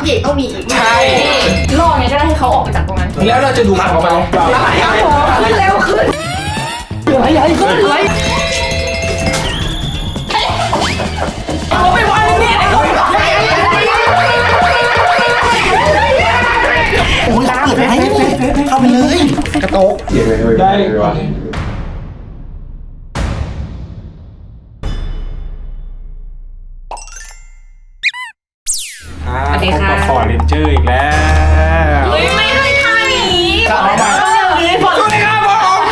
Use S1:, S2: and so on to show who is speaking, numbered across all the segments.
S1: พี่เอกต้องมีอีก
S2: ใช่
S1: ล่อไงก็ได้ให้เขาออกไปจากตรงนั้น
S2: แล้วเราจะดูผักของเรา
S1: ขึ้นเร็วขึ้นไหลขึ้นไหลเอาไปวางนี่
S3: โอ้ยเปิดให้เข้าไปเลยกระโตก
S2: ได้
S1: สวัสดีค่ะ
S2: ขอเรนเจอร์อีกแล้ว
S1: เฮ้ยไม่เคยทำอย่างนี้สวัสดีครับผม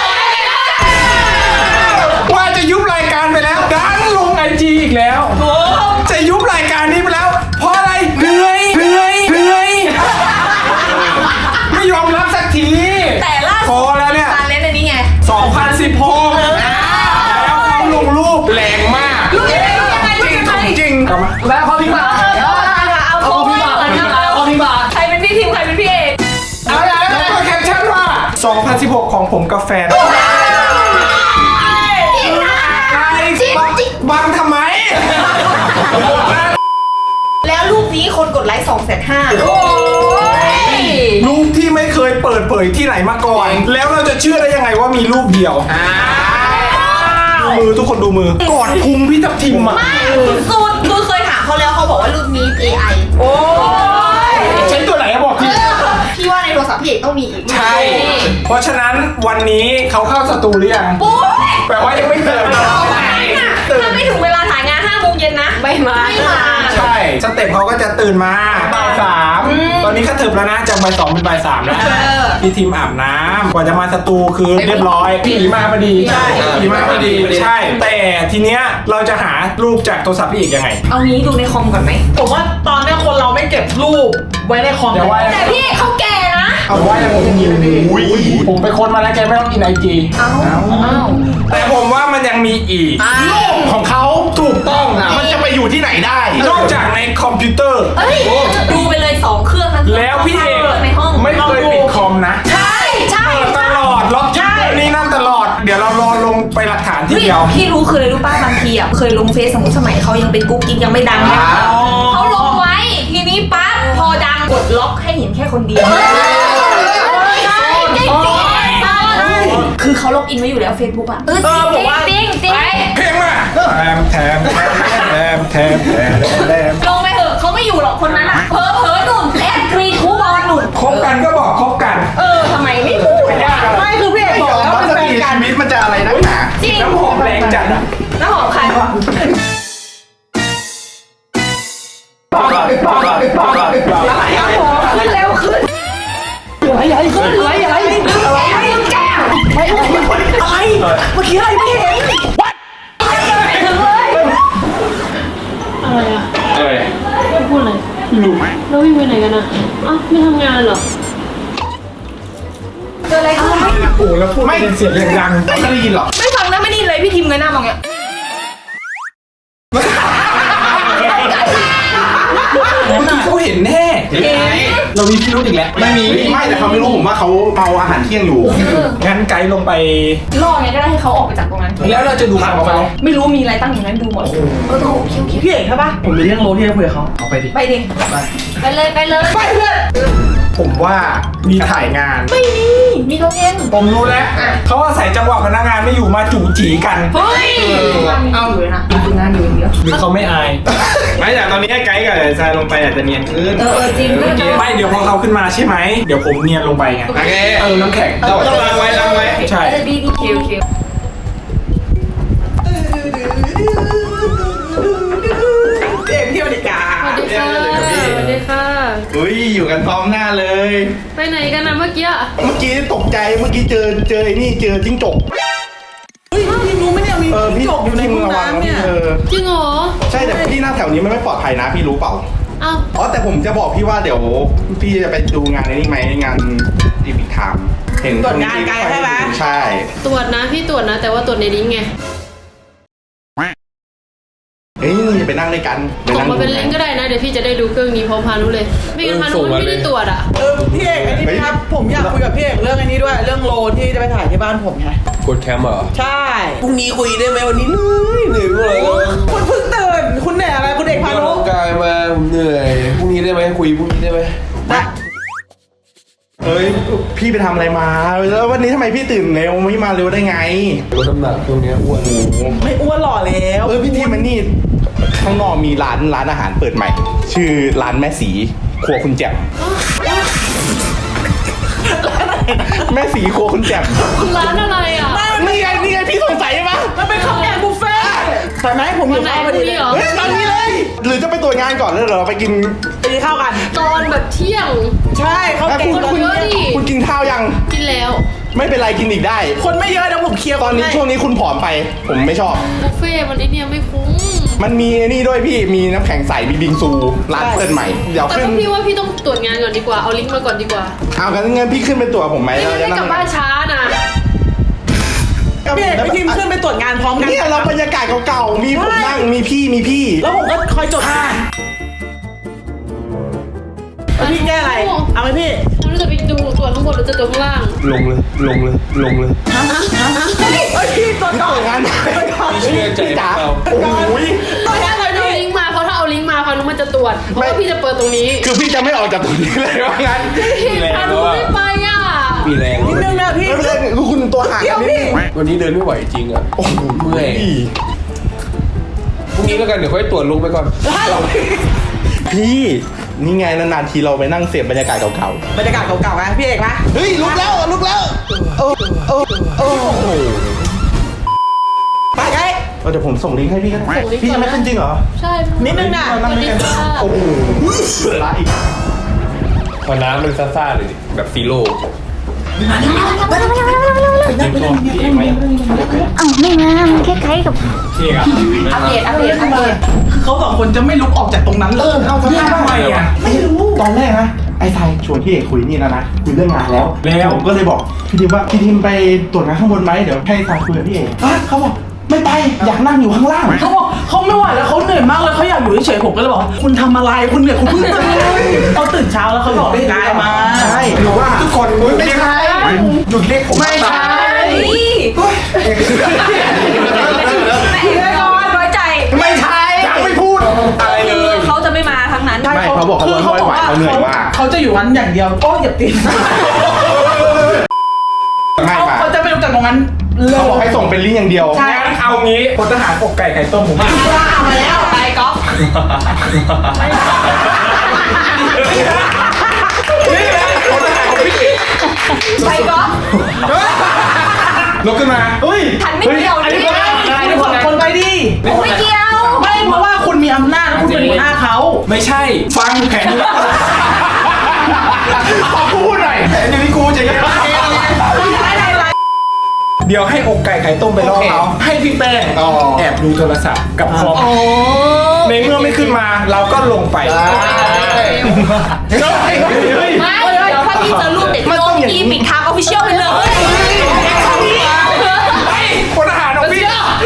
S2: ว่าจะยุบรายการไปแล้วดันลงไอจีอีกแล้วจะยุบรายการนี้ไปแล้วเพราะอะไรเหนื่อยไม่ยอมรับสักที
S1: แต่ล่า
S2: พ
S1: สุ
S2: อ
S1: ด
S2: แล้วเนี่ย
S1: การเล่นในนี้ไง
S2: 2016แล้วเขาลงรูปแรงมาก
S1: รู้ยังไง
S2: จริงกลับมาแล้วเขาพิมพ์มา
S1: เอาโค้ดใครเป็นพี่ทีมใครเป็นพี่เอก
S2: เอาแล้วก็แคปชั่นว่า2016ของผมกับแฟนบังทำไม
S1: แล้วรูปนี้คนกดไลค์250,000โอ้ย
S2: รูปที่ไม่เคยเปิดเผยที่ไหนมาก่อน แล้วเราจะเชื่อได้ยังไงว่ามีรูปเดียวดูมือทุกคนดูมือกอดพุงพี่ทับทิมอ่ะ
S1: ไม่สุดคือเคยถามเขาแล้วเขาบอกว่ารูปนี้ AI โอ้ย
S2: ใช้ตัวไหนอะบอกที
S1: พี่ว่าในโทรศัพท์พี่เอกต้องมีอีก
S2: ใช่ เพราะฉะนั้นวันนี้เขาเข้าสตูหรือยัง
S1: ปุ๊บ
S2: แปลว่ายังไม่เติม
S1: ถ้าไม่ถึงเวลาถ่ายงาน5 โมงเย็นนะไม่มา
S2: ใช่สเต็ปเขาก็จะตื่นมาบ่าย3ตอนนี้ก็ถึงแล้วนะจากบ่าย2เป็นบ่าย3แล้วพี่ทีมอาบน้ำกว่าจะมาสตูคือเรียบร้อยผีมาพอดีผีมาพอดีใช่แต่ทีเนี้ยเราจะหารูปจากโทรศัพท์พี่อีกยังไง
S1: เอางี้ดูในคอมก่อนไหม
S4: ผมว่าตอนนี้คนเราไม่เก็บรูปไว้ในคอม
S2: เดี๋ยวว่า
S1: แต่พี่เอกเขาแก่นะ
S2: เอาว่ายังผมยินดีผมไปค้นมาแล้วแกไม่ต้องกินไอจี
S1: เอ้า
S2: แต่ผมว่ามันยังมีอีกของเขาถูกต้องนะ
S3: มันจะไปอยู่ที่ไหนได้
S2: นอกจากในคอมพิวเตอร์
S1: เอ้ยดูไปเลย2 เครื่องทั้ง
S2: แล้วพี่เอก
S1: ในห้อง
S2: ไม่เคยปิดคอมนะ
S1: ใช่ใช่
S2: เปิดตลอดล็อกนี่นั่นตลอด เดี๋ยวเรารอลงไปหลักฐานทีเดียว
S1: พี่รู้คืออะไรรู้ป้าบางทีอ่ะเคยลงเฟซสมัยเขายังเป็นกุ๊กกิ๊กยังไม่ดังนะเขาลงไว้ทีนี้ปั๊บพอดังกดล็อกให้เห็นแค่คนเดียวคือเขาล็อกอินไว้อยู่แล้ว Facebook อ่ะผมว่าจริง
S2: เพลงมาแถม
S1: ลงไปเถอะเขาไม่อยู่หรอกคนนั้นอ่ะเผลอหนุ่มแอดกรีนคูบอลหนุ่ม
S2: คบกันก็บอกคบกัน
S1: ทำไมไม่พูด
S4: ไม่คือพี่เอกบอกแล้ว
S3: มัน
S4: เป็น
S3: จะ
S4: แฟ
S3: มี
S4: นกัน
S3: ชีวิตมันจะอะไรนักหนา
S1: จริง
S2: น้ำหอมแรงจัดอ่ะ
S1: น้ำหอมใครวะ ขึ้นเร็วขึ้นไหลขึ้นไหลอะไรแก้วไม่อะไรเมื่อกี้อะไรไม่เห็นถึงเลย
S5: อะไรอ่ะ
S2: เอ้ย
S5: ไม่พูดเลย
S2: รู้ไหม
S5: แล้ววิ่งไปไหนกันอ่ะอ้าวไม่ทำงานเหรอ
S1: เจออะไรขึ้น
S2: โอ้แล้วพูดเป็นเสียงดัง
S3: ไม่ได้ยินหรอก
S1: ไม่ฟังนะไม่ได้เลยพี่ทีมเงยหน้ามองเงี้ย
S2: เมื่อกี้เขาเห็นแน่เรามีพิรุธอีกแล้ว
S3: ไม่มีไม่แต่เขาไม่รู้ผมว่าเขาเมาอาหารเที่ยงอยู่
S2: งั้นไกด์ลงไป
S1: ล่อไงก็ได้ให้เขาออกไปจากตรงนั้น
S2: แล้วเราจะดูผักของเรา
S1: ไม่รู้มีอะไรตั้งอย่างนั้นดูหมดโอเค
S4: พี่เอกใช่ปะผมมีเรื่องโลที่จะคุยกับเขาเอาไปดิ
S1: ไปดิไปเลยไปเพื่อน
S2: ผมว่ามีถ่ายงาน
S1: ไม่มีโรงเรียน
S2: ผมรู้แล้วเขาอาศัยจังหวะพนักงานไม่อยู่มาจู่จีกัน
S1: เฮ้ยเอาอยู่เลยนะดูงานอยู่อย่างเดียว
S2: หรือเขาไม่อาย
S6: ไม่แต่ตอนนี้ไกด์กับทรายลงไปอาจจะเนียนขึ้น
S1: จริงด้วยนะ
S2: ไม่เดี๋ยวพอเขาขึ้นมาใช่ไหมเดี๋ยวผมเนียนลงไปไง
S6: โอเค
S2: น้ำแข็ง
S6: ต้องล้างไว้ล้างไว้
S2: ใช่
S1: ดีคิว
S4: พี่เอกที่อเมริกา
S5: สวัสดีค่ะ สวัสดีค่ะ
S6: อุ้ยอยู่กันพร้อมหน้าเลย
S5: ไปไหนกันนะเมื่อกี้อะ
S3: เมื่อกี้ตกใจเมื่อกี้เจอไอ้นี่เจอจิ้งจก
S4: เฮ้ยพี่รู้ไหมเนี่ยมี
S3: พี่
S4: จกอยู่ในห้อง
S3: ระวัง
S4: น้ำเนี่ย
S5: จริงเหรอ
S3: ใช่แต่พี่หน้าแถวนี้มันไม่ปลอดภัยนะพี่รู้เปล่า
S5: เอ้า
S3: อ๋อแต่ผมจะบอกพี่ว่าเดี๋ยวพี่จะไปดูงานในนี่ไหมงานดีพิทามเห็น
S4: ตรวจงานไกลใช่ไหม
S3: ใช่
S5: ตรวจนะพี่ตรวจนะ แต่ว่าตรวจในลิงก์ไง
S3: เฮ้ยนี่ไปนั่งด้วยกัน
S5: ส่งมาเป็นลิงก์ก็ได้นะ เดี๋ยวพี่จะได้ดูเครื่องนี้พร้อมพานุเลย ไม่งั้นพานุมันไม่ได้ตรวจอ่ะ
S4: พี่เอกอันนี้ครับผมอยากคุยกับพี่เอกเรื่องอันนี้ด้วยเรื่องโลที่จะไปถ่ายที่บ้านผมไง
S6: กดแคมเหรอ
S4: ใช่
S6: พรุ่งนี้คุยได้ไหมวันนี้เหนื่อยมากเลย
S4: คุณเพิ่งตื่นคุณเหนื่อยอะไรคุณเอกพานุ
S6: กายมาผมเหนื่อยพรุ่งนี้
S7: ได้ไหมคุยพรุ่งนี้ได้ไหม
S3: เฮ้ยพี่ไปทำอะไรมาแล้ววันนี้ทำไมพี่ตื่นเร็วไม่มาเร็วได้ไง
S7: ลดน้ำหนักช่วงนี้อ้วน
S4: ไม่อ้วนหล่อแล้ว
S3: พี่ทีมันนี่ข้างนอกมีร้านอาหารเปิดใหม่ ชื่อร้านแม่สีครัวคุณแจ่มแม่สีครัวคุณแจ่ม
S5: ร้านอะไรอ่ะ
S3: นี่ไงพี่สงสัยไหม
S4: มันเป็นข้าวแกงบุฟเฟ่ต์ใช่ไหมผมอยู่
S5: ไหน
S4: ข้าว
S5: พ
S4: พอ
S5: รุ่
S4: ดี
S5: ง
S4: เลย
S5: นี้เหรอ
S3: เฮ้ยตอนนี้เลย หรือจะไปตรวจงานก่อนแล้วเดี๋ยวเราไปกิน
S4: ไปกินข้าวกัน
S5: ตอนแบบเที่ยง
S4: ใช่ข้าวแกง
S5: คนเยอะดิ
S3: คุณกินข้าวยัง
S5: กินแล้ว
S3: ไม่เป็นไรกินอีกได้
S4: คนไม่เยอะเดี๋ยวผมเคลียร์
S3: ตอนนี้ช่วงนี้คุณผอมไป ผมไม่ชอบ
S5: บุฟเฟ่ต์มันไอเนี่ยไม่คุ้ม
S3: มันมีไอ้นี่ด้วยพี่มีน้ำแข็งใสมีบิงซูร้านเปิดใหม่เดี๋ยว
S5: แต่
S3: ขึ้น
S5: ก็พี่ว่าพี่ต้องตรวจงานก่อนดีกว่า เอาลิงก์มาก่อนดีกว่า
S3: เอากันงั้นพี่ขึ้นเป็นตัวผมไหม
S5: ไม่งั้นไม่กลับบ้านช้านะ
S4: พี่เอกพี่ทีมขึ้นไปตรวจงานพร้อมกัน
S3: เนี่ยเราบรรยากาศเก่าๆมีผมนั่งมีพี่
S4: แล้วผมก็คอยจดพี่แก้อะไร เอาไหมพี่
S5: เราจะไปดูตรวจข้างบนหรือจะตรวจข้างล่าง
S7: ลงเลย
S4: พี่ตรวจก่อน
S3: งาน
S7: พี่เชื่อใจ
S3: พี่จ๋า
S7: เรา
S3: โอ้ย
S4: ตรวจอะไร
S5: เอา
S4: พี่
S5: ลิงก์มาเพราะถ้าเอาลิงก์มาพานุมันจะตรวจเพราะว่าพี่จะเปิดตรงนี้
S3: คือพี่จะไม่ออกจากตรงนี้เลยว่างั้น
S5: พานุไม่ไปอ่ะ
S7: มีแรง
S4: นิดนึงนะพี่
S3: ไม่เป็นไรคือคุณตัวห่าง
S4: เดี๋ยวพี่
S7: วันนี้เดินไม่ไหวจริงอ่ะ
S3: โอ้โห
S7: เมื่อยพรุ่งนี้แล้วกันเดี๋ยวค่อยตรวจลงไปก่อน
S3: พี่นี่ไงนานๆทีเราไปนั่งเสพบรรยากาศเก่า
S4: บรรยากาศเก่าๆนะพี่เอกนะ
S3: ๆเฮ้ยลุกแล้วโอ้โห
S4: ไปไง
S3: เดี๋ยวผมส่งลิงก์ให้พี่ก็ได้
S5: ส่งลิงก์
S3: พี่
S5: ก่อน
S3: ยังไม่ขึ้นจริงเหรอ
S5: ใช่
S4: นิดนึงนะ
S3: นั่งด้วยกัน
S5: สวัสดีค่ะ
S3: โอ้โหละอีก
S7: พอน้ำมันซ่าๆเลยดิแบบซีโร่
S8: เอ้าไม่มาคล้ายๆกับ
S1: อัปเดต
S4: คือเขาสองคนจะไม่ลุกออกจากตรงนั้นเลย
S3: เอาทำไมอ่ะไม่รู้ตอนแรกนะไอ้ทายชวนพี่เอกคุยนี่นะคุยเรื่องงานแล้วผมก็เลยบอกพี่ทิมว่าพี่ทิมไปตรวจงานข้างบนไหมเดี๋ยวให้ทายคุยกับพี่เอกเขาบอกไม่ไปอยากนั่งอยู่ข้างล่าง
S4: เขาบอกเขาไม่ไหวแล้วเขาเหนื่อยมากเลยเขาอยากอยู่เฉยๆผมก็เลยบอกคุณทำอะไรคุณเหนื่อยคุณเพิ่งตื่นเขาตื่นเช้าแล้วเขาบอกกายมา
S3: ใช่หรือว่าทุกคนไม่ใช่หยุดเรียกผมไม่ใช่
S1: แต่อีกเลยก่อนน้อยใจ
S3: ไม่ใช่ยังไม่พูดอะไรเลย
S1: เขาจะไม่มาทั้งนั้น
S3: ไม่เขาบอกเขาไม่ไหวเขาเหนื่อยมาก
S4: เขาจะอยู่วันอย่างเดียวโอ้อย่าตีน
S3: ไม่มา
S4: เขาจะไม่ลุกจากตรงนั้นเล
S3: เขา
S4: ย
S3: บอกให้ส่งเป็นลิงก์อย่างเดียว
S2: งั้นเอางี้พลทหารอกไก่ไข่ต้มผม
S1: มาแล้วไปก๊อฟ
S3: นี่นะพลทหารของพี่
S1: ไปก๊อฟ
S3: ลุกขึ้นมาเฮ้ย
S1: ฉันไม่เกี่ยวดิ
S4: คุณสองคนไปดิ
S1: ผมไม่เกี่ยว
S4: ไม่เพราะว่าคุณมีอำนาจแล้วคุณเป็นหัวหน้าเขา
S2: ไม่ใช่ฟังแผน
S3: ขอพูดหน่อยแต่นี่กูจะยัง
S2: เดี๋ยวให้อกไก่ไข่ต้มไปล่อเขาให้พี่แป้งแอบดูโทรศัพท์กับคอมในเมื่อไม่ขึ้นมาเราก็ลงไป
S1: ไม่เดี๋ยวถ้าพี่เจอรูปเด็กโลกพี่ปิดทางออฟฟิเชียลไปเลย
S2: พลทหารของพี่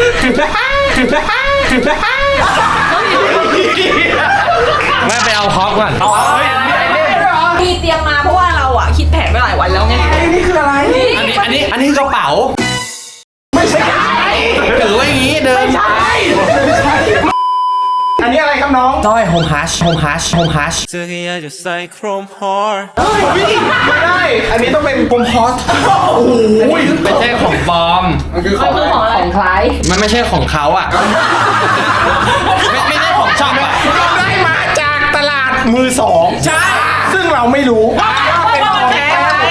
S7: ไม่ไปเอาคอปก่อน
S1: มีเตรียมมาเพราะว่าเราอ่ะคิดแผนไว้หลายวันแล้วไง
S3: นี่คืออะไร
S7: อันนี้กระเป๋า
S3: ไม่ใช่
S7: ถือว่าอย่างนี้เดิน
S3: อันนี้อะไรครับน้อง
S7: สร้อยโฮมฮัช
S3: ไม่ได้ อันนี้ต้องเป็นกลมพอสโอ้โห
S7: ไม่ใช่ของปลอม
S1: มันคือของใคร
S7: มันไม่ใช่ของเขาอ่ะ ไม่ใช่ของช่องด้วย
S2: เราได้มาจากตลาดมือสองใช่ซึ่งเราไม่รู้เป็นของแท้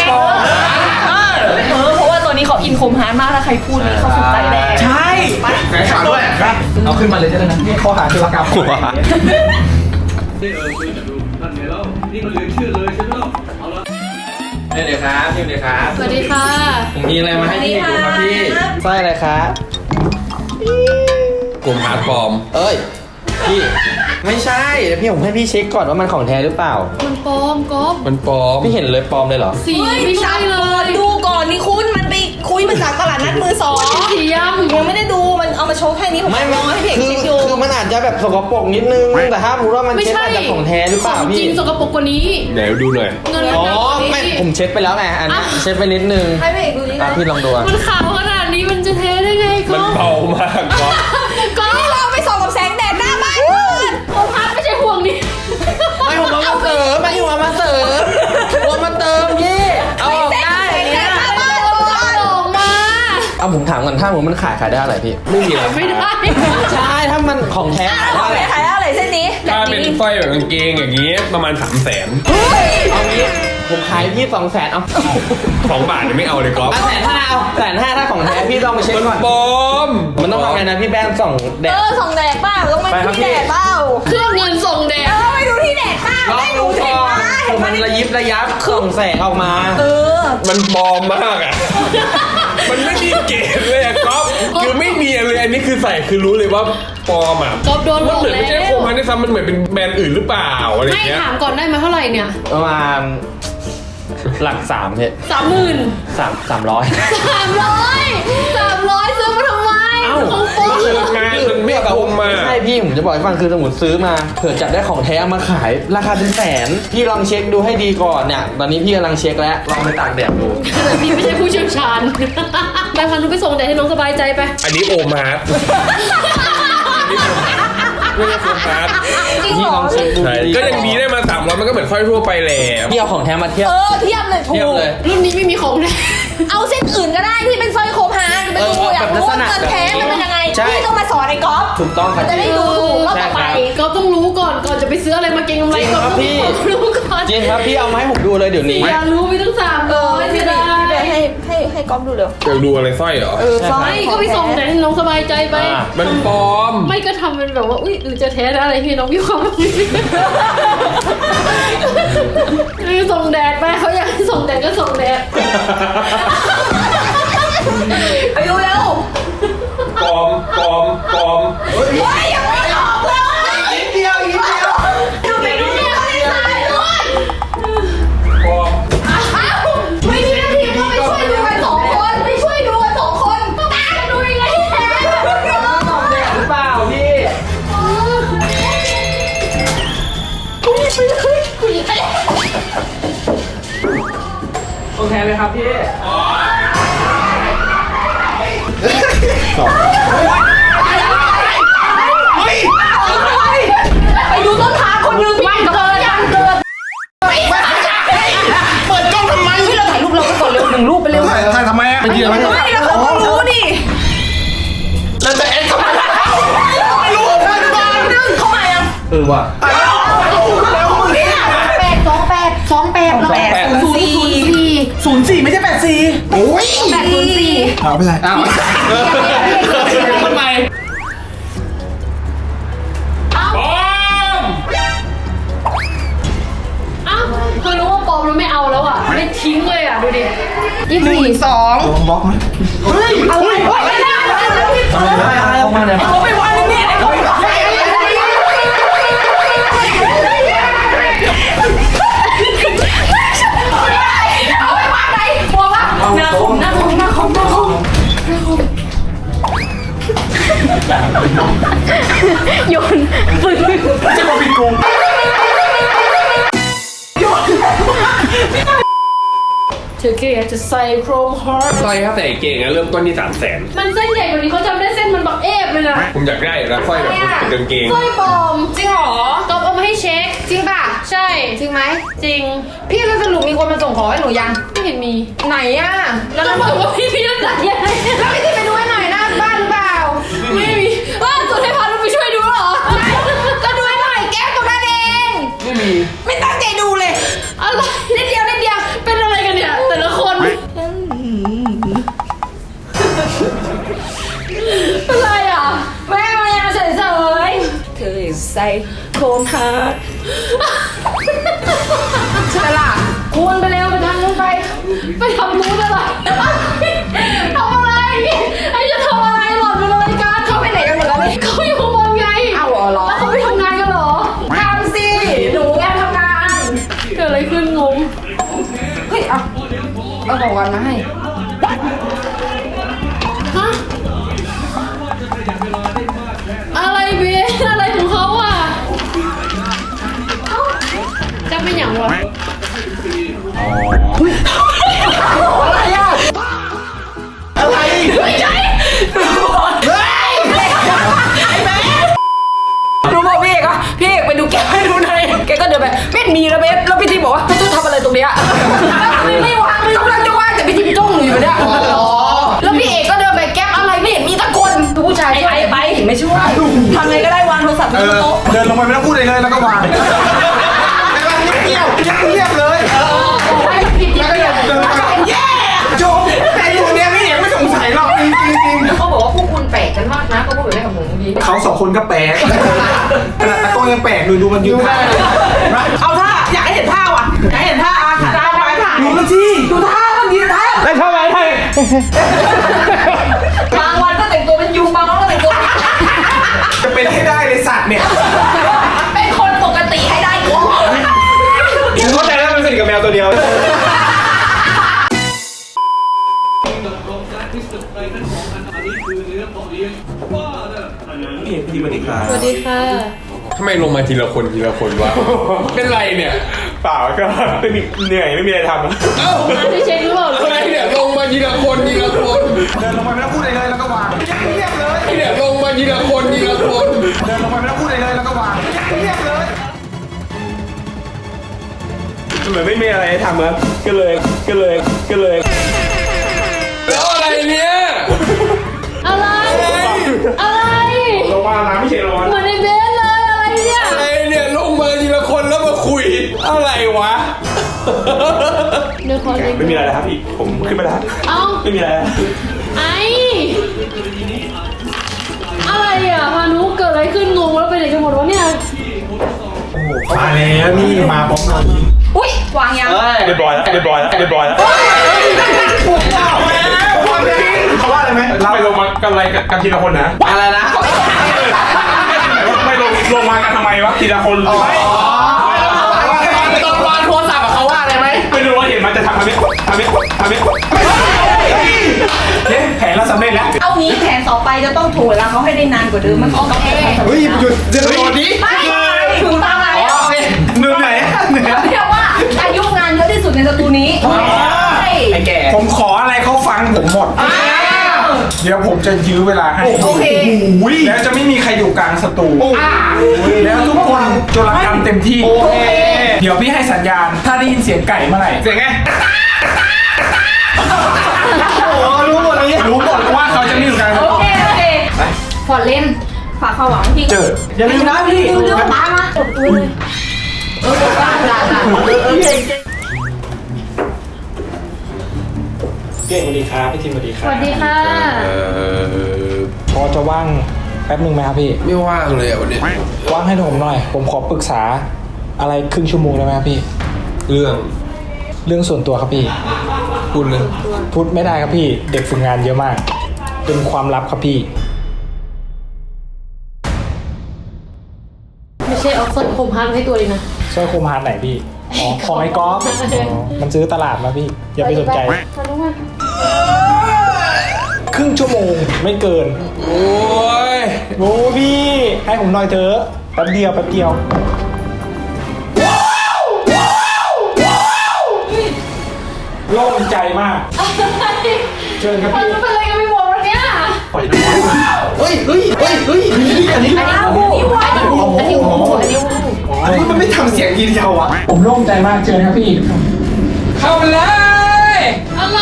S1: เพราะว่าตัวนี้เขาอินคมฮาร์ดมากถ้าใครพูดนี่เขาสุดใจแดง
S4: ใช่
S3: ไหนข่าวด้วย
S2: เอาขึ้นมาเลยจะได้นะนี่ข้อหาธุรกรรม
S7: เดี๋ยวครับเดี๋ยวครับ
S5: สวัสดีค่ะ
S7: ผมมีอะไรมาให้พี่ดูครับพี่สร้อยอะไรครับกลุ่มหาปลอม เอ้ย พี่ ไม่ใช่เดี๋ยวพี่ผมให้พี่เช็คก่อนว่ามันของแท้หรือเปล่า
S5: มันปลอมก๊อฟ
S7: มันปลอม พี่เห็นเลยปลอมเลยเหรอ
S5: สีไม่ใช่เลย
S9: ดูก่อนนี่คุณมันไปคุยมาจากตลาดนัดมือสอง
S5: สีย่ำ
S9: ยังไม่ได้ดูมันเอามาโชว์แค่นี้ผม
S7: ไม่
S9: มองให้เพจ
S7: คือ
S9: คลิปอยู่
S7: คือมันอาจจะแบบสกปรกนิดนึง แต่ถ้ารู้ว่ามัน
S5: ไม่
S7: เช็ด
S5: ใช่
S7: มาจากของแท้หรือเปล่า
S5: ของจ
S7: พี่
S5: ริงสกปรกกว่านี้
S7: เดี๋ยวดูหน่อย
S5: เงินมัน
S7: อ๋อ
S5: หนักกว่านี้
S7: ไม่ผมเช็ดไปแล้วไง อันนี้เช็ดไปนิดนึง
S9: ให้เพจดูนี่
S7: อ่ะ
S9: นะ
S7: พี่ลองดูอ่ะ
S5: มันขาวขนาดนี้มันจะเทได้ไงก๊อฟ
S7: มากก๊อฟ
S5: ก๊อฟ
S9: เราไปส่องกับแสงแดดหน้าบ้านเพื่อน
S5: ผมพัดไม่ใช่ห่วงนี้
S7: ไม่ผมว่ามันถ้าผมมันขายได้อะไรพี่
S6: ไม่มีรา
S5: ไม่ได้
S6: คา
S7: ใช่ถ้ามันของแท้
S9: ขอไปขายอะไรเส้นนี้
S6: ถ้าเป็นสร้อยแบบกางเกงอย่างนี้ประมาณ 300,000
S7: เอางี้ผมขายพี่200,000เอา
S6: 2 บาทยังไม่เอาเลยก๊อฟ
S7: 150,000เอา150,000ถ้าของแท้พี่ต้องไปเช็คก่อน
S6: ปลอม
S7: มันต้องทำไงนะพี่แบนส่องแดด
S9: ส่องแดดเปล่าต้องไปที่แดดเปล่า
S5: เครื่องเงินส่งแดด
S9: ไปดูที่แดดเปล่าไม่ดูเห็นไหมเห็นไหม
S7: มันระยิบระยับส่องแสงออกมา
S6: มันปลอมมากอ่ะ มันไม่มีเกณฑ์เลยอะก๊อฟคือไม่มีเลยอันนี้คือใส่คือรู้เลยว่าปลอมอ่ะ
S5: ก๊อฟโดนหล
S6: มัน
S5: อก
S6: เหมือนไม่ใช่
S5: แล้ว
S6: โคมันด้วยซ้ำมันเหมือนเป็นแบรนด์อื่นหรือเปล่าอะไรอ
S5: ให้
S6: ย่างเงี้ย
S5: ถามก่อนได้ไหมเท่าไหร่เนี่ย
S7: ประมาณหลัก3พี่
S5: 30,000
S7: 300
S5: 300ซื้อมาทำไม
S7: เอ้า
S5: ของโป๊
S6: มันคืองานมันไม่คุ้มมา
S7: ใช่พี่ผมจะบอกให้ฟังคือสมมติซื้อมาเผื่อจับได้ของแท้เอามาขายราคาเป็นแสนพี่ลองเช็คดูให้ดีก่อนเนี่ยตอนนี้พี่กำลังเช็คแล้วลองไปตากแดดดู
S5: แต่พี่ไม่ใช่ผู้เชี่ยวชาญ ไปพานุไปส่งแดดให้น้องสบายใจไป
S6: อันนี้โอมาร์ทไม่ใช่โฟกัส
S7: พี่ลองเช็คดู
S6: ใช่ก็ยังดีได้มา300มันก็เหมือนสร้อยทั่วไปแหละ
S7: พี่เอาของแท้มาเทียบ
S9: เทียบเลยถู
S7: เทียบ
S9: ก
S7: เลย
S5: รุ่นนี้ไม่มีของแดด
S9: เอาเส้นอื่นก็ได้ที่เป็นสร้อยโคมฮาจะไปดูอยากรู้ว่าเงินแท้มันเป็นยังไงพี่ต้องมาสอนไอ้ก๊อฟ
S7: ถูกต้องครับ
S9: จะได้ดูถูกรอบต่อไป
S5: ก็ต้องรู้ก่อนจะไปซื้ออะไรมาเก็งกำไรก็ต้องรู้ก่อน
S7: จริงครับพี่เอามาให้ผมดูเลยเดี๋ยวนี้
S5: อยากรู้ไปตั้ง300
S9: พี่
S5: ไม่
S9: เบ
S5: ได้
S9: ย์ให้ก๊อฟดูเร็ว
S6: อยากดูอะไรสร้อยเหรอ
S5: ไม่ก็ไปส่งแดดให้น้องสบายใจไป
S6: มันปลอม
S5: ไม่ก็ทำเป็นแบบว่าอุ้ยหรือจะแท้อะไรพี่น้องมีความส่งแดดไปเขาอยากให้ส่งแดดก็ส่งแดด
S9: ไปดูเร็ว
S6: ปลอม
S9: เฮ้ยยังไม่ออกเลยนิดเดียวดูไปดูเนี่ยเขาได้ถ่ายด้วย
S6: ปลอม
S9: ไม่มีหน้าที่ก็ไปช่วยดูกัน2 คนไปช่วยดูกัน2 คนตาจะดูยังไงให้แท้
S7: หรือเปล่าพี่ โอเคไหมครับพี่
S9: ไปดูต้นทางคนนึงไม่เกินยังเกิน
S3: เปิดกล้องทำไม
S9: เราถ่ายรูปเราไปก่อนเร็ว1 รูปไปเร็ว
S2: ถ่ายทำไมอ่ะ
S9: ไม่แล้วเขาต้องรู้ดิ
S3: แล้วจะแอดเข้ามาไม่รู้เพื่อนบ้าน
S9: เข้ามายัง
S7: ว่ะ
S3: แล้วมึงเนี่ย
S4: 04ไม่ใช่84
S3: โอ้ยเอาไปเลย
S7: อ้าวทำไม
S6: ปลอม
S5: อ้าวเธอรู้ว่าปลอมแล้วไม่เอาแล้วอ่ะไม่ทิ้งเลยอ่ะดูดิ
S3: ลงบล็อกไหม
S7: เอามาเลย
S9: เอาไปวันนึงเนี่ยเอาไปวันไหนกลัวว่าหน้าคมโยนปืน
S3: จะมาปิดกู
S5: เธอแค่อยากจะใส่โครมฮอร์
S6: สร้อยถ้าใส่เก่งอะเริ่มต้นที่300,000
S5: มันเส้นใหญ่กว่านี้เขาจำได้เส้นมันบักเอฟเลยนะ
S6: ผมอยากได้นะสร้อยแบบเป็นกางเกง
S5: สร้อยปลอม
S9: จริงเหรอ
S5: ก๊อฟเอามาให้เช็ค
S9: จริงป่ะ
S5: ใช่
S9: จริงไหม
S5: จริง
S9: พี่จะสรุปมีคนมาส่งของให้หนูยัง
S5: ไม่เห็นมี
S9: ไหนอ่ะ
S5: แล้วก็บอกว่าพี่น้ำหนักยังไง
S9: แล้วพี่ที่ไปดูให้หน่อยหน้าบ้านหรือเปล่า
S5: ไม่มีว่าสุดให้พานุไปช่วยดูเหรอ
S9: ก็ดูให้หน่อยแก้วตรงนั้นเอง
S7: ไม่มี
S9: ไม่ตั้งใจดูเลย
S5: อะไร
S9: นิดเดียว
S5: เป็นอะไรกันเนี่ย แต่ละคนอะไรอ่ะ
S9: แม่มายาเฉยๆเธอใส่โคมฮาร์ดใช่ล่ะ
S5: คุณไปเร็วไปทางนู้นไป ไปทำนู้นอะไรทำอะไรไอ้จะทำอะไรหล่อนเป็นอะไรกัน
S9: เขาไปไหนกันหมดแล้วนี่
S5: เขาอยู่ข้างบนไง
S9: เอาเหรอ
S5: แล้วเขาไปทำงานกันเหรอ
S9: ทำสิหนูแอบทำงาน
S5: เกิดอะไรขึ้นงง
S9: เฮ้ยเอาของวันมาให้
S5: ฮะอะไรเบสอะไรของเขาอ่ะเอ้าจะเป็นอย่างวะ
S3: อะไร
S9: ไม่ใช่หนูบอกพี่เอกว่าพี่เอกไปดูแกให้ดูหน่อยแกก็เดินไปไม่มีแล้วเบสแล้วพี่ทีบอกว่าจะทำอะไรตรงเนี้ยไม่วางไม่กำลังจะวางแต่พี่ทีจ้องหนูอยู่เนี่ยแล้วพี่เอกก็เดินไปแก๊ปอะไรไม่
S1: ไม่ช่วยทำไงก็ได้วางโทรศัพท์บนโต๊ะ
S3: เดินลงไปไม่ต้องพูดอะไรเลยแล้วก็วางเงียบเงียบเลย
S5: ให้ผิด
S3: แล้วก็เดินไปแย่จบแต่ตัวเนี้ยพี่เอกไม่สงสัยหรอกจริง
S5: เขาบอกว่าพวกคุณแปลกกันมากนะเขาพูดแบบนี้กับผมเมื่อกี้
S2: เขาสองคนก็แปลกขนาดตะโกนยังแปลกดูมันยืนได้
S4: เอาท่าอยากให้เห็นท่าว่ะอยากให้เห็นท่าอาขาได้ไหมท่า
S3: ดูมันสิ
S4: ดูท่ามันดีท่า
S2: ได้เท่าไหร่ไทย
S5: บางวันก็แต่งตัวเป็นยุงบางวันก็แต่งตัว
S2: จะเป็นให้ได้เลยสัตว์เนี่ย
S5: เป็นคนปกติให้ได้ก่อน
S2: เข้าใจแล้วมันสนิทกับแมวตัวเดียว พี่สวัสดีครับ
S5: สวัสดีค่ะ
S6: ทำไมลงมาทีละคนวะ เป็นไรเนี่ย
S2: เปล่าก็เหนื่อยไม่มีอะไรทำ
S6: เอ้า
S5: มาที่เช็คหรือเปล่า
S6: อะไรเนี่ยลงมาทีละคน
S3: เดินลงไปไม่ต้องพูดอะไรเลยแล้วก็วางเงียบเลย
S6: เนี่ยลงมาทีละคน
S3: เดินลงไปไม่ต้องพูดอะไรเลยแล้วก็วางเงียบเลย
S2: เหมือนไม่มีอะไรทำครับก็เลย
S6: แล้วอะไรเนี่ย
S5: อะไรอะไร
S2: ลงมาน้ำไม่ใช่ร้อน
S5: เหมือนในเบสเลยอะไรเนี่ย
S6: อะไรเนี่ยลงมาทีละคนแล้วมาคุยอะไรวะ
S5: เดี๋ยวขอเล็ก
S2: ไม่มีอะไรนะครับอีกผมขึ้นมาได้
S5: เอ้า
S2: ไม่มีอะไร
S5: ไออะไรอ่ะพานุเกิดอะไรขึ้นงงแล้วไปไหนกันหมดวะเนี่ย
S2: มาแล้วนี่มาพร้อมกัน
S5: อุ้ยวางยัง
S2: เรียบร้อยแล้วเขาว่าอะไรไหมเราไปลงมากันอะไรกันทีละคนนะ
S7: อะไรนะ
S2: ไม่ลงมากันทำไมวะทีละคนไม่
S7: ตอนวางโทรศัพท์เขาว่าอะไรไหม
S2: ไม่รู้ว่าเห็นมันจะทำแผนเราสำเร็จแล้ว
S1: เอางี้แผนต่อไปจะต้องถ่วงเวลาเขาให้ได้นานกว่าเดิมมันต้อง
S3: เฮ้ยหยุดเดี๋ยวก่อนดิ
S1: ไม่ถึงตามไหน
S3: เหนื่อยไหน
S1: เรียกว่าอายุงานเยอะที่สุดในสตูนี้ใช่
S3: ไอ้แก่
S2: ผมขออะไรเขาฟังผมหมด เดี๋ยวผมจะยื้อเวลาให้
S1: โอเค
S2: แล้วจะไม่มีใครอยู่กลางสตูแล้วทุกคนโจรกรรมเต็มที่ เดี๋ยวพี่ให้สัญญาณ ถ้าได้ยินเสียงไก่เมื่อไหร่ เสียงไง รู้หมดว่าเขาจะไม่อยู่กลางส
S5: โอ
S2: ตู
S5: เคฟอร์ดเล่นฝากความหวังพี่
S2: เจอ
S3: อย่าลืมนะพี่
S5: เรื่องตามมาตบตัวเลยได้
S2: เก่งสวัสดีครับพี่ทีมสวัสดีค
S5: ส
S2: รับ
S5: วัสดีค่ะ
S2: พอจะว่างแป๊บหนึ่งไหมครับพี่
S6: ไม่ว่างเลยอ่ะวันนี้
S2: ว่างให้ผมหน่อย ผมขอปรึกษาอะไรครึ่งชั่วโมงได้ไหมครับพี่
S6: เรื่อง
S2: เรื่องส่วนตัวครับพี่
S6: พูดเลย
S2: พูดไม่ได้ครับพี่ เด็กฝึกงานเยอะมาก เป็นความลับครับพี่
S5: ไม่ใช่เอาส้นคมฮันให้ตัวเองนะ
S2: สร้อยโคมฮาร์ดไหนพี่ อ๋อ ของไอ้ก๊อฟอ๋อมันซื้อตลาดมาพี่ อย่าไปสนใจ
S5: พานุมา
S2: ครึ่งชั่วโมงไม่เกิน
S6: โอ้ย
S2: โอ้พี่ ให้ผมหน่อยเถอะแป๊บเดียวโล่งใจมาก เชิญครับ
S5: พา
S2: พี่
S5: นุเป็นอะไรกันไปหมดวันเนี้ย
S3: เฮ้ยอันนี้ มันไม่ทำเสียงทีเดียวอ่ะ
S2: ผมโล่งใจมากเชิญครับพี่
S6: เข้าไปเลย
S5: อะไร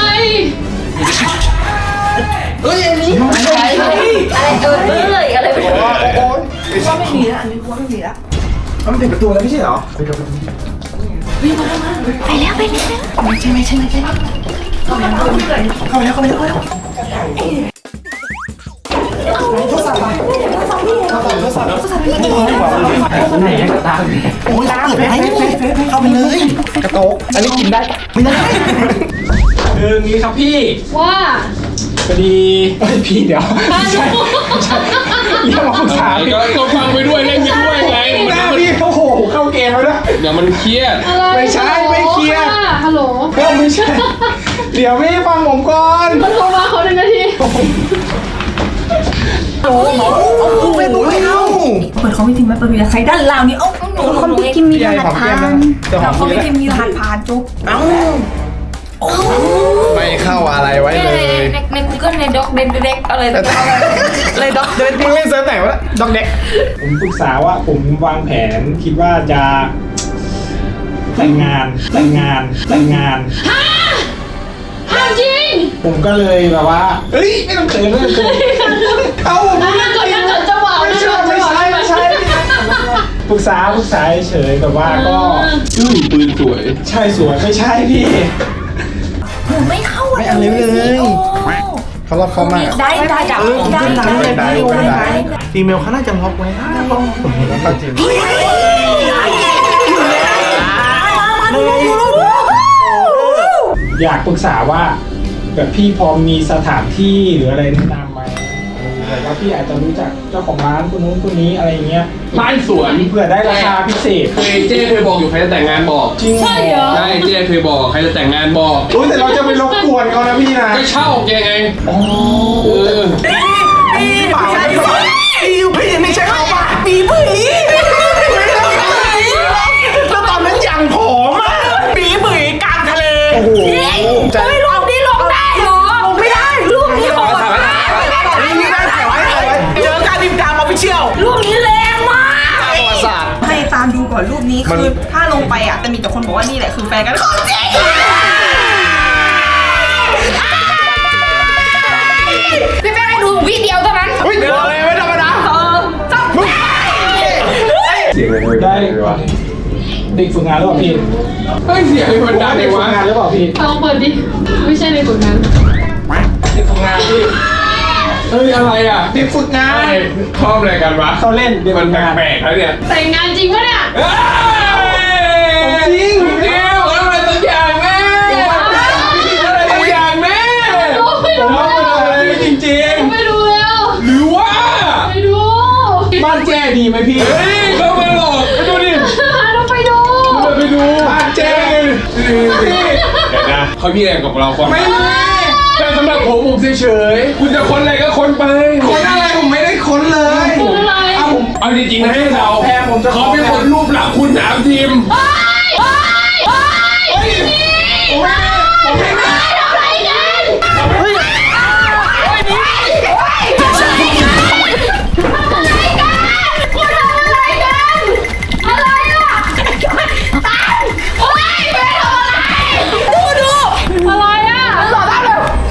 S3: เฮ้ยอันนี้อะไร
S5: อะไรไปหมด
S1: ว่าไม่มีแล้วอันนี้ว่าไม่มีแล้ว
S3: มันเป็นประตูแล้วไม่ใช่เหรอ
S8: ไปแล้วไปแล้ว
S3: เข้าไปแล้วไหนกระตาโอ้ยตาเปิดให้เข้าไปเลยกระโตกอันนี้กินได้ไม่ได้
S2: คืองี้ครับพี่
S5: ว่า
S2: พอดีเฮ้ยพี่เดี๋ยว
S5: พานุ
S2: เรียกมาปรึกษาพี่
S6: ก็ฟังไปด้วยเล่นไปด้วยไง
S2: หน้าพี่โอ้โหเข้าเกมแล้วนะ
S6: เดี๋ยวมันเครียด
S5: อะไร
S2: ไม่ใช่ไม่เคลียร์
S5: ฮัลโหล
S2: ก็ไม่ใช่ เดี๋ยวพี่ฟังผมก่อน
S5: มันโทรมาเขา1 นาที
S3: ไม่ดูไม่เอา
S1: เปิดเขาไม่ทิ้งไหมเปิดมีใครด้านล่างนี่เอ้า
S8: คนพี่กิมมีรหัสผ่าน
S1: เขาไม่ทิ้งมีรหัสผ่านจุ๊บ
S3: เอ้า
S7: ไม่เข้าอะไรไว้เลย
S5: ใน Google ในด็อกเด็กอะไรต่าง
S3: เลยด็อกเดินมึงเล่นเซิร์ฟไหนวะด็อกเด็ก
S2: ผมปรึกษาว่าผมวางแผนคิดว่าจะแต่งงาน
S5: ๆห้ามจริง
S2: ผมก็เลยแบบว่า เฮ้ย ไม่ต้องเขิน
S3: เอ้า
S5: ถ้าเกิดยังเกิดจังหวะ
S2: ปรึกษาเฉยแบบว่าก็
S6: ปืนสวย
S2: ใช่สวยไม่ใช่พี่
S9: หนูไม่เข้า
S3: ไม่เอาเลยเขาล็อกเขามา
S9: ได้จับได้
S3: ได้ฟีเมลเขาน่าจะล็อกไว้นะผมเห็นแล้วเขาจริง
S2: อยากปรึกษาว่าแบบพี่พอมีสถานที่หรืออะไรแนะนำไหมแบบว่าพี่อาจจะรู้จักเจ้าของร้านคนนู้นคนนี้อะไรเงี้ย
S6: บ้านสวน
S2: เผื่อได้ราคาพิเศษ
S6: เจ๊เคยบอกอยู่ใครจะแต่งงานบอก
S2: จริง
S5: ใช่เหรอ
S6: ใช่เจ๊เคยบอกใครจะแต่งงานบอก
S2: รู้แต่เราจะไปรบกวนเขานะพี่นะ
S6: ก็เช่าแกไงเออ
S3: เปล่าพี่ไม่ใช่เขาป่ะปีผีแล้วตอนนั้นอย่างผอมอ่ะปีผีกลางทะเลโอ้โห
S9: ไม่ลงนี่ลงได้เหรอลงไม่ได้ลูกนี้ลงได้
S3: นี่ได้ถ่ายไว้เจอการดิมดามออฟฟิเชียล
S9: ลูกนี้แรงมาก
S7: ประวัติศาสตร์
S1: ให้ตามดูก่อนรูปนี้คือถ้าลงไปอ่ะจะมีแต่คนบอกว่านี่แหละคือแฟนกันของจริงพี่แม่ให้ดูวิดีโอเท่านั้น
S3: เฮ้ยเดี๋ยวอะไรไม่ธรรมดา
S6: เสียงอะไร
S2: ได้เด็กฝึกงานหรือเปล่าพี่
S6: เฮ้ยเสียงมันดังเล
S2: เด็
S6: ย
S2: กฝึก
S6: วะ
S2: งานหรือเปล่าพี่
S5: ลองเปิดดิ ไม่ใช่ในผลงาน
S2: เด็กฝึกงานพี่
S6: เฮ้ยอะไรอ่ะ
S2: เด็กฝึกงาน
S6: ชอบอะไรกันวะ
S2: เขาเล่นเด็ก
S6: มัน
S2: ฝึกงาน
S6: แปลกๆแล้วเนี่ย
S5: แต่งงานจริงปะเนี่ย
S6: จริงจริงอะไรสักอย่างแม่อะไรสักอย่างแม่
S2: ผมว่ามันอะไรจริง
S5: ไม่ดูแล้ว
S6: หรือว่า
S5: ไม่ดู
S2: ๆบ้านแจ้ดีไหมพี่
S6: เฮ้ยเขามาหลอกไปดูดิ
S5: ต้องไปดู
S6: ไปดูบ้านเจ๊เดี๋ยวนะเขามีอะไรกับเราคนไม่มีแต่สำหรับผมเฉยๆคุณจะคนอะไรก็คนไป
S2: คนอะไรผมไม่ได้ค้นเลย
S5: คนอะไร
S6: เอาจริงๆนะให้เรา
S2: แพงผมจะ
S6: เขาเป็นคนรูปหลังคุณถามทีม
S5: อะไรอ่ะ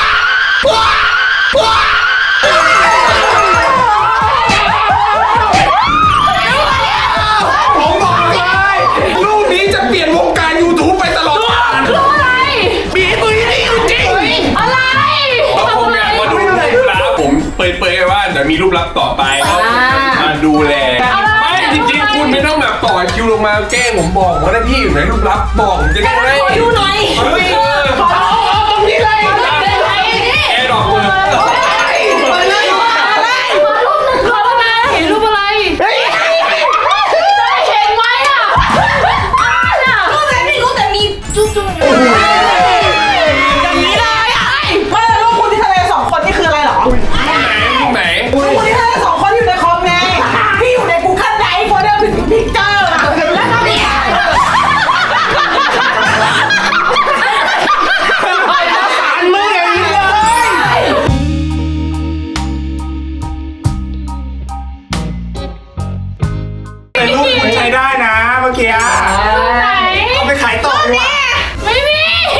S2: ผมบอกเลยรูปนี้จะเปลี่ยนวงการ YouTube ไปตลอดกาล
S5: อะไร
S3: ปีผีนี่จริง
S5: อะไร
S6: ผมอยากมาดูรูปลับผมเปิดๆว่าเดี๋ยวมีรูปลับต่อไปเขามาดูแลไม่จริงๆคุณไม่ต้องแบบต่อคิวลงมาแกล้งผมบอกว่าได้พี่อยู่ไหนรูปลับบอกผมจะได้ไหม
S9: ขอดูหน่อย
S3: เอาตรงนี้เลย
S6: แอร์ดอกเลย
S5: เห็นรูปอะไรเห็นไหมอ่ะ
S9: รูปไหนไม่รู้แต่มีจุ๊บ
S1: อย่างนี้เลยอ่ะไม่แล้วรูปคุณที่ทะเลสองคนนี่คืออะไรเหรอ
S6: รูปไหน
S1: คุณที่ทะเลสองคนอยู่ในคอมไงพี่อยู่ใน Google Drive โฟลเดอร์พิกเจอร์แล้วก็เนี่ย
S2: แต่รูปมันใช้ได้นะเมื่อกี้เอาไปขายต่อดีกว่า
S5: ไม่มี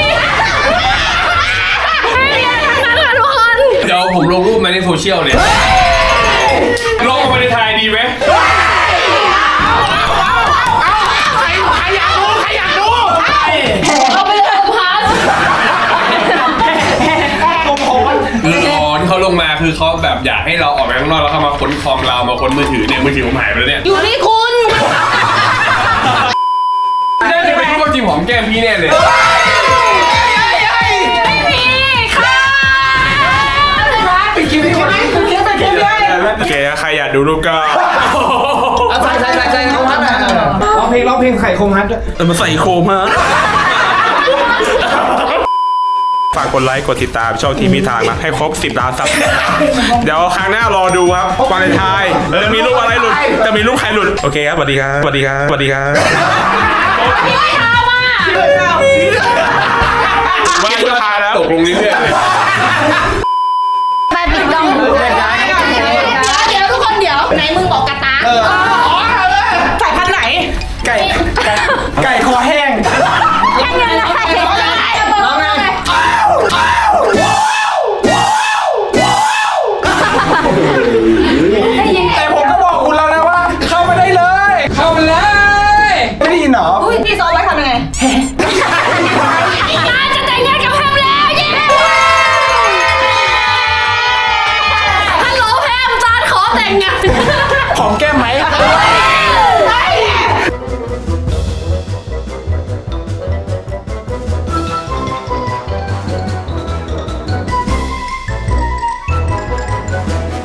S5: ทั้งนั้นค่ะทุกคน
S6: เดี๋ยวผมลงรูปมาในโซเชียลเนี่ยลงมาในไทยดีไหม
S5: เอาไปเลยพัส
S6: รอที่เขาลงมาคือเขาแบบอยากให้เราออกไปข้างนอกแล้วเขามาค้นคอมเรามาค้นมือถือเนี่ยมือถือผมหายไปแล้วเนี่ย
S5: อยู่ที่คุณ
S6: น่าจะเป็นรูปจริงหอมแก้มพี่แน่เลย
S5: ไม่มีค่ะ
S2: ไปคิดไปคิด
S6: โอเคใครอยากดูรูปก็
S7: ใส่เขาพัดอ่ะ
S2: ร้องเพลงไข่โคมฮัทด้วย
S6: มาใส่โคมฮะฝากกดไลค์กดติดตามช่องทีมีทางนะให้ครบ10 ล้านซับเดี๋ยวครั้งหน้ารอดูครับวาเลนไทน์จะมีรูปอะไรหลุดจะมีรูปใครหลุดโอเคครับสวัสดีครับสวัสดีครับสวัสดีครับ
S5: ไม่ทำอ่ะ
S6: ว่าสุดท้ายแล้วตกลงเรื่อยๆเลย
S8: ไปปิดกล้อง
S2: ไป